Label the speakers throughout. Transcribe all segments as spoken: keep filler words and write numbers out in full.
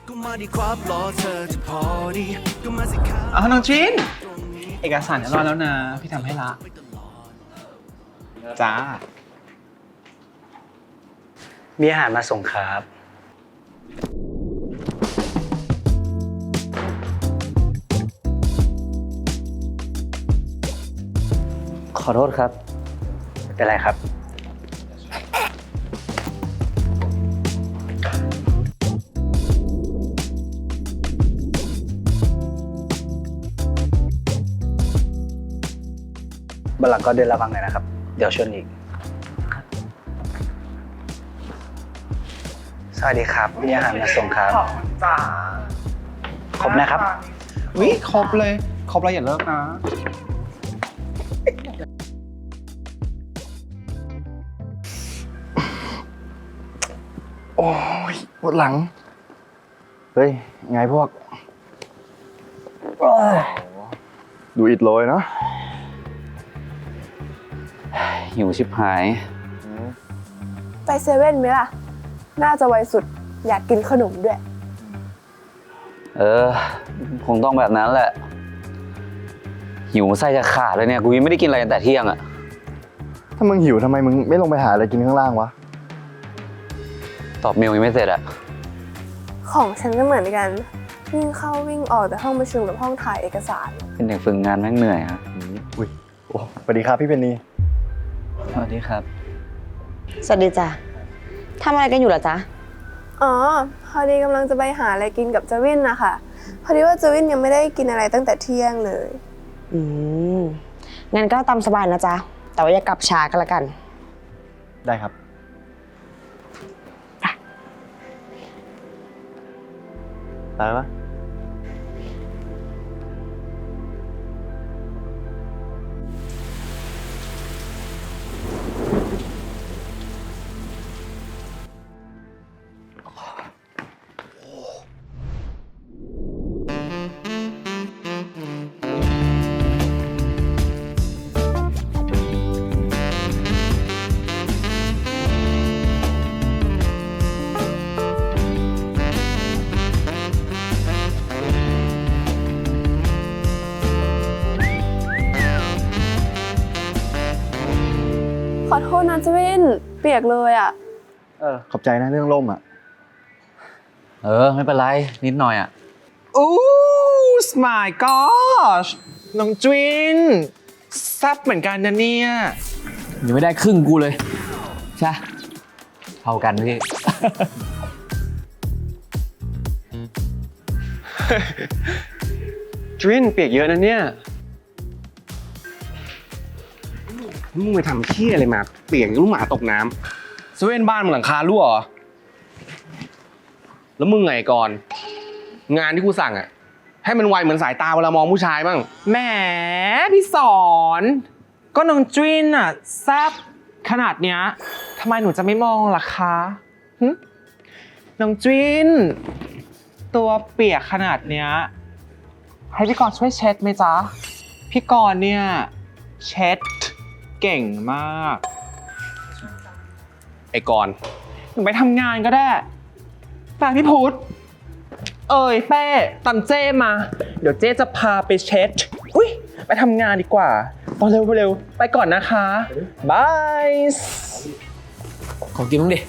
Speaker 1: อ๋อน้องชินเอกสารเรียบร้อยแล้วนะพี่ทำให้ละจ้า
Speaker 2: มีอาหารมาส่งครับ ขอโทษครับ เป็นไรครับ บัลลังก์ก็เดินระวังหน่อยนะครับ เดี๋ยวชนอีก สวัสดีครับ มีอาหารมาส่งครับ
Speaker 1: จ้า
Speaker 2: ครบนะครับ
Speaker 1: วิครบเลยครบแล้วอย่าเลิกนะ
Speaker 3: โอ้ยปวดหลัง เฮ้ย ไงพวก ดูอิดโรยเนาะ
Speaker 4: หิวชิบหาย
Speaker 5: ไปเซเว่นไหมล่ะ น่าจะไวสุด อยากกินขนมด้วย
Speaker 4: เออ คงต้องแบบนั้นแหละ หิวไส้จะขาดเลยเนี่ย กูยังไม่ได้กินอะไรตั้งแต่เที่ยงอะ
Speaker 3: ถ้ามึงหิวทำไมมึงไม่ลงไปหาอะไรกินข้างล่างวะ
Speaker 4: ตอบเมลยังไม่เสร็จอะ
Speaker 5: ของฉันก็เหมือนกัน วิ่งเข้าวิ่งออกแต่ห้องประชุมกับห้องถ่ายเอกสาร
Speaker 4: เป็นเด็กฝึกงานแม่งเหนื่อยครับ
Speaker 3: อุ้ยโอ้สวัสดีครับพี่เพนนี
Speaker 4: สวัสดีครับ
Speaker 6: สวัสดีจ้ะทำอะไรกันอยู่เหรอจ๊ะ
Speaker 5: อ๋อ พอดีกำลังจะไปหาอะไรกินกับเจวินนะคะพอดีว่าเจวินยังไม่ได้กินอะไรตั้งแต่เที่ยงเลย
Speaker 6: อืม งั้นก็ตามสบายนะจ๊ะ แต่ว่าอย่ากลับช้ากันละกัน
Speaker 3: ได้ครับ ไปปะ
Speaker 5: ขอโทษนะเจวิน เปียกเลยอ่ะ
Speaker 3: เออ ขอบใจนะเรื่องร่มอ่ะ
Speaker 4: เออ ไม่เป็นไร นิดหน่อยอะ
Speaker 1: อู้ my gosh น้องจินแซ่บเหมือนกันนะเนี่ย
Speaker 4: ยังไม่ได้ครึ่งกูเลย ใช่เท่ากันพี่
Speaker 7: ดรินเปียกเยอะนะเนี่ยมึงไปทำเที่ยอะไรมา เปียกลูกหมาตกน้ำเซเว่นบ้านมึงหลังคารั่วเหรอ แล้วมึงไงก่อน งานที่กูสั่งอะให้มันไวเหมือนสายตาเวลามองผู้ชายบ้าง
Speaker 1: แหมพี่สอน ก็น้องจินอะแซ่บขนาดเนี้ยทำไมหนูจะไม่มองล่ะคะหึน้องจินตัวเปียกขนาดเนี้ยให้พี่กรณ์ช่วยเช็ดไหมจ๊ะ พี่กรณ์เนี่ยเช็ดเก่งมาก
Speaker 7: ไอ้ก่อน
Speaker 1: หนูไปทำงานก็ได้ฝากพี่พุธเอ้ยเป้ตามเจ้มา เดี๋ยวเจ้จะพาไปเช็ด อุ้ยไปทำงานดีกว่าตอนเร็วเร็วไปก่อนนะคะบาย
Speaker 4: ขอกินมั้งดิ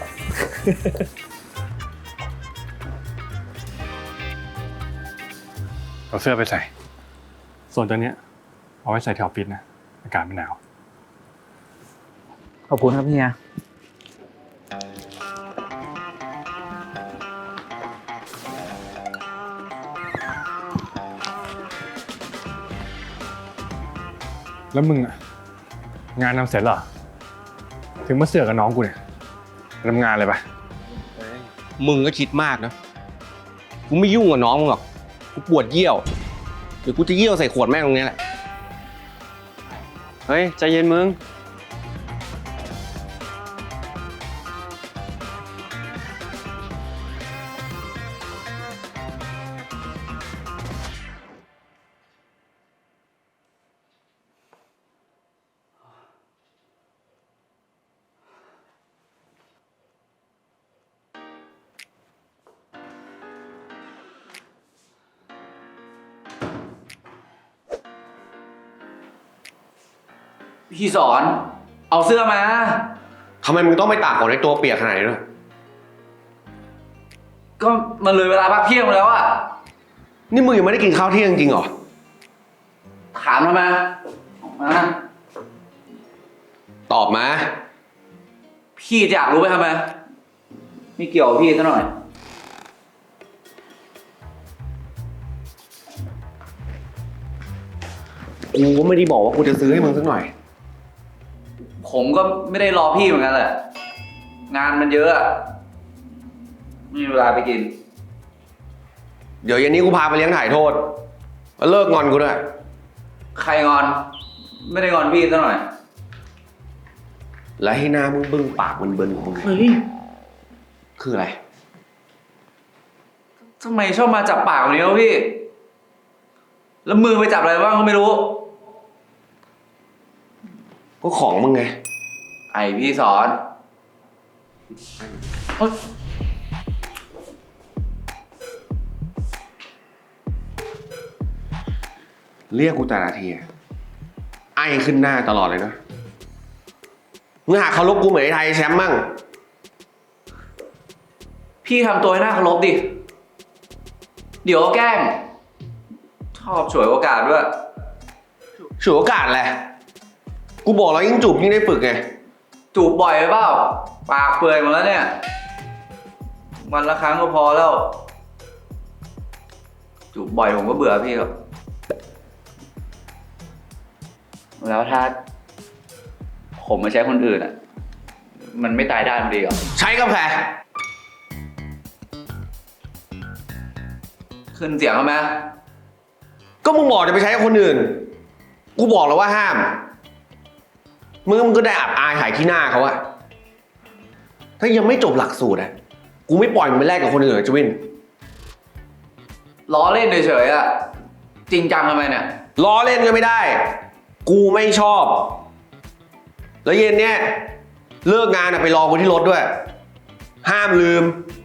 Speaker 7: เอาเสื้อไปใส่ ส่วนตัวเนี้ยเอาไว้ใส่แถวฟิตนะ อากาศมันหนาว
Speaker 4: ขอบคุณครับพี่เฮีย
Speaker 7: แล้วมึงอะงานทำเสร็จเหรอ ถึงมาเสือกกับน้องกูเนี่ยทำงานเลยปะมึงก็คิดมากนะ กูไม่ยุ่งกับน้องมึงหรอก กูปวดเยี่ยว เดี๋ยวกูจะเยี่ยวใส่ขวดแม่งตรงนี้แหละ เฮ้ย ใจเย็นมึง
Speaker 4: พี่สอน เอาเสื้อมา
Speaker 7: ทำไมมึงต้องไปตากฝนในตัวเปียกขนาดนี้ด้วย
Speaker 4: ก็มันเลยเวลาพักเที่ยงแล้วอะ
Speaker 7: นี่มึงยังไม่ได้กินข้าวเที่ยงจริงเหรอ
Speaker 4: ถามทำไมออกมา
Speaker 7: ตอบมา
Speaker 4: พี่จะอยากรู้ไปทำไมไม่เกี่ยวกับพี่ซะหน่อย
Speaker 7: กูก็ไม่ได้บอกว่ากูจะซื้อให้มึงสักหน่อย
Speaker 4: ผมก็ไม่ได้รอพี่เหมือนกันแหละ งานมันเยอะอะไม่มีเวลาไปกิน
Speaker 7: เดี๋ยวเย็นนี้กูพาไปเลี้ยงถ่ายโทษแล้วเลิกงอนกูด้วย
Speaker 4: ใครงอน ไม่ได้งอนพี่ซะหน่อย
Speaker 7: และให้หน้ามึงบึ้งปากมันเบิ้ลของมึง
Speaker 4: เฮ้ย
Speaker 7: คืออะไร
Speaker 4: ทำไมชอบมาจับปากแบบนี้วะพี่ แล้วมือไปจับอะไรบ้างก็ไม่รู้
Speaker 7: ก็ของมึงไง
Speaker 4: ไอพี่สอนเฮ้ย
Speaker 7: เรียกกูแต่ละทีอะไอขึ้นหน้าตลอดเลยนะมึงหาเคารพกูเหมือนไอ้ไทยแชมป์มั่ง
Speaker 4: พี่ทำตัวให้น่าเคารพดิ เดี๋ยวก็แกล้ง ชอบฉวยโอกาสด้วย
Speaker 7: ฉวยโอกาสแหละ กูบอกแล้วยิ่งจูบยิ่งได้ฝึกไง
Speaker 4: จูบบ่อยไปเปล่า ปากเปื่อยหมดแล้วเนี่ย วันละครั้งก็พอแล้ว จูบบ่อยผมก็เบื่อพี่ครับ แล้วถ้า ผมมาใช้คนอื่นอ่ะ มันไม่ตายด้านดีเหรอ
Speaker 7: ใช้กับแผล
Speaker 4: ขึ้นเสียงเขาไหม
Speaker 7: ก็มึงบอกจะไปใช้กับคนอื่น กูบอกแล้วว่าห้าม มึงมึงก็ได้อับอายหายขี้หน้าเขาอะถ้ายังไม่จบหลักสูตรอะกูไม่ปล่อยมึงไปแลกกับคนอื่นหรอกจวิน
Speaker 4: ล้อเล่นเฉยๆอ่ะ จริงจังทำไมเนี่ย
Speaker 7: ล้อเล่นก็ไม่ได้ กูไม่ชอบ แล้วเย็นเนี้ยเลิกงานอะไปรอกูที่รถด้วย ห้ามลืม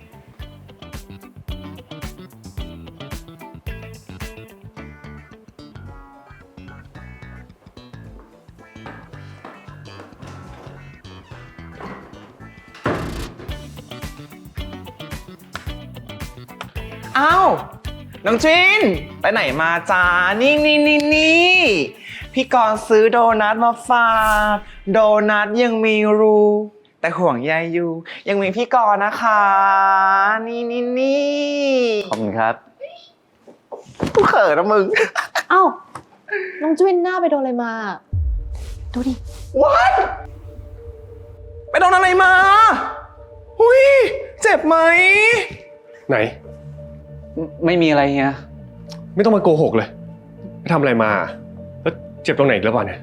Speaker 1: อ้าวน้องจินไปไหนมาจ้านี่นี่นี่นี่พี่กรณ์ซื้อโดนัทมาฝากโดนัทยังมีรูแต่ห่วงใยอยู่ ยังมีพี่กรณ์นะคะ นี่นี่นี่
Speaker 2: ขอบคุณครับ
Speaker 1: กูเขินนะมึง
Speaker 6: เอ้า น้องจุวินหน้าไปโดนอะไรมา ดูดิ
Speaker 1: What ไปโดนอะไรมาอุ้ยเจ็บไหม
Speaker 7: ไหน
Speaker 4: ไม่มีอะไรเฮีย
Speaker 7: ไม่ต้องมาโกหกเลยไปทำอะไรมา แล้วเจ็บตรงไหนอีกแล้วเปล่าเนี่ย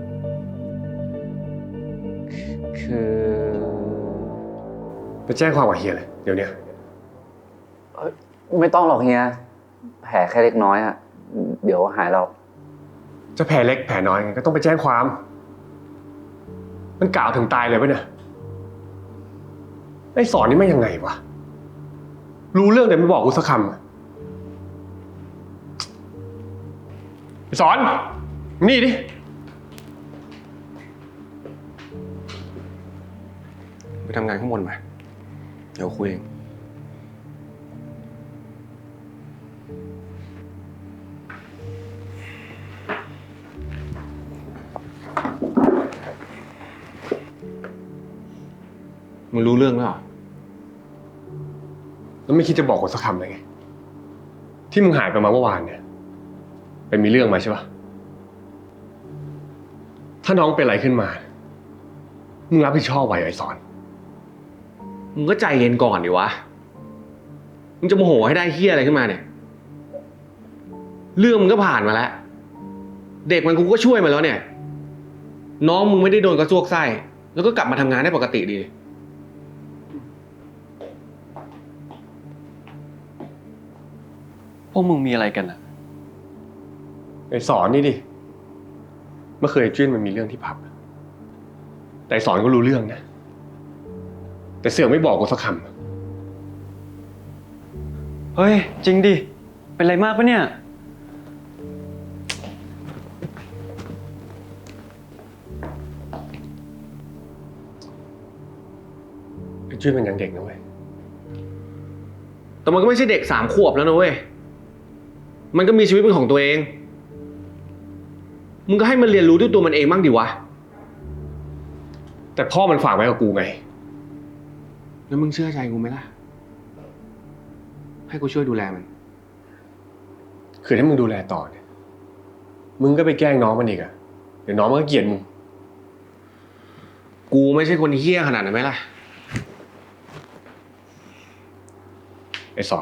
Speaker 4: คือ
Speaker 7: ไปแจ้งความกับเฮียเลยเดี๋ยวเนี้ย
Speaker 4: ไม่ต้องหรอกเฮีย แผลแค่เล็กน้อยอ่ะ เดี๋ยวหายเรา
Speaker 7: จะแผลเล็กแผลน้อยไงก็ต้องไปแจ้งความ มันกล่าวถึงตายเลยปะเนี่ยไอ้สอนนี่ไม่ยังไงวะ รู้เรื่องแต่ไม่บอกกูสักคำอะไอ้สอน นี่ดิ ไปทำงานข้างบนไปเดี๋ยวคุยเอง มึงรู้เรื่องแล้วเหรอ แล้วไม่คิดจะบอกกูสักคำเลยไง ที่มึงหายไปมาเมื่อวานเนี่ยไปมีเรื่องมาใช่ปะถ้าน้องเป็นอะไรขึ้นมา มึงรับผิดชอบไหวไอ้สอน มึงก็ใจเย็นก่อนดิวะ มึงจะโมโหให้ได้เฮี้ยอะไรขึ้นมาเนี่ย เรื่องมึงก็ผ่านมาแล้ว เด็กมันกูก็ช่วยมาแล้วเนี่ย น้องมึงไม่ได้โดนกระซวกไส้ แล้วก็กลับมาทำงานได้ปกติดี พวกมึงมีอะไรกันอะไอ้สอนนี่ดิ เมื่อเคยจิ้นมันมีเรื่องที่ผับ แต่ไอ้สอนก็รู้เรื่องนะ แต่เสือกไม่บอกกูสักคำ
Speaker 2: เฮ้ย จริงดิ เป็นไรมากปะเนี่ย
Speaker 7: จุ้ยมันยังเด็กนะเว้ย แต่มันก็ไม่ใช่เด็กสามขวบแล้วนะเว้ย มันก็มีชีวิตเป็นของตัวเอง มึงก็ให้มันเรียนรู้ด้วยตัวมันเองบ้างดิวะ แต่พ่อมันฝากไว้กับกูไง แล้วมึงเชื่อใจกูไหมล่ะ ให้กูช่วยดูแลมัน คือถ้ามึงดูแลต่อเนี่ย มึงก็ไปแกล้งน้องมันอีกอะเดี๋ยวน้องมันก็เกลียดมึง กูไม่ใช่คนเฮี้ยขนาดนั้นไหมล่ะ ไอ้สอน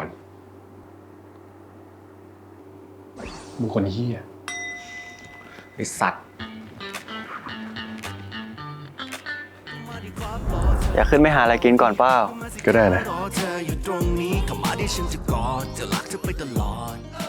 Speaker 7: มึงคนเฮี้ย ไอ้สัตว์
Speaker 3: อยากขึ้นไปหาอะไรกินก่อนเปล่า
Speaker 7: ก็ได้นะ
Speaker 8: รอเธออยู่ตรงนี้เข้ามาที่ฉันจะกอดจะรักเธอไปตลอด